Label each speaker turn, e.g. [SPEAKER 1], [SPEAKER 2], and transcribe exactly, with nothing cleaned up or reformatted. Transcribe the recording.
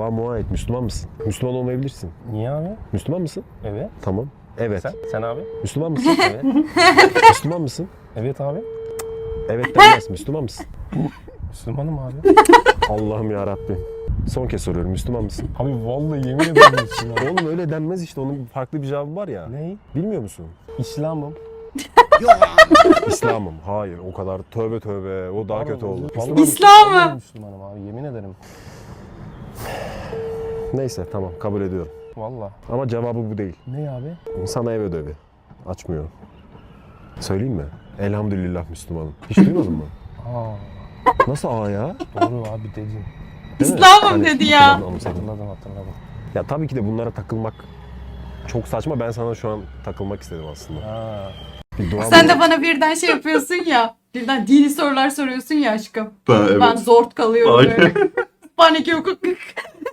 [SPEAKER 1] Dua mua et. Müslüman mısın? Müslüman olmayabilirsin.
[SPEAKER 2] Niye abi?
[SPEAKER 1] Müslüman mısın?
[SPEAKER 2] Evet.
[SPEAKER 1] Tamam. Evet.
[SPEAKER 2] Sen? Sen abi?
[SPEAKER 1] Müslüman mısın?
[SPEAKER 2] Evet.
[SPEAKER 1] Müslüman mısın?
[SPEAKER 2] Evet abi.
[SPEAKER 1] Evet denmez. Müslüman mısın?
[SPEAKER 2] Müslümanım abi.
[SPEAKER 1] Allah'ım ya Rabbim. Son kez soruyorum. Müslüman mısın?
[SPEAKER 2] Abi vallahi yemin ederim Müslüman.
[SPEAKER 1] Oğlum öyle denmez işte. Onun farklı bir cevabı var ya.
[SPEAKER 2] Ne?
[SPEAKER 1] Bilmiyor musun?
[SPEAKER 2] İslam'ım.
[SPEAKER 1] İslam'ım. Hayır. O kadar. Tövbe tövbe. O daha kötü oldu.
[SPEAKER 2] Vallahi-
[SPEAKER 3] İslam'ım.
[SPEAKER 2] vallahi Müslümanım abi yemin ederim.
[SPEAKER 1] Neyse tamam. Kabul ediyorum.
[SPEAKER 2] Vallahi.
[SPEAKER 1] Ama cevabı bu değil.
[SPEAKER 2] Ne abi?
[SPEAKER 1] Sana ev ödevi. Açmıyor. Söyleyeyim mi? Elhamdülillah Müslümanım. Hiç duymadın mı?
[SPEAKER 2] Aa,
[SPEAKER 1] Nasıl aa ya?
[SPEAKER 2] doğru abi dedin.
[SPEAKER 1] Değil mi?
[SPEAKER 3] İslam'ım
[SPEAKER 1] Hani
[SPEAKER 3] dedi ya.
[SPEAKER 1] hatırladım, anımsadım.
[SPEAKER 2] Hatırladım hatırladım.
[SPEAKER 1] Ya tabii ki de bunlara takılmak çok saçma. Ben sana şu an takılmak istedim aslında.
[SPEAKER 2] Ha.
[SPEAKER 1] Bir dua
[SPEAKER 3] Sen
[SPEAKER 1] mı-
[SPEAKER 3] de bana birden şey yapıyorsun ya. Birden dini sorular soruyorsun ya aşkım.
[SPEAKER 4] Ha, evet.
[SPEAKER 3] Ben zor kalıyorum
[SPEAKER 4] Aynen.
[SPEAKER 3] böyle. Panik yok.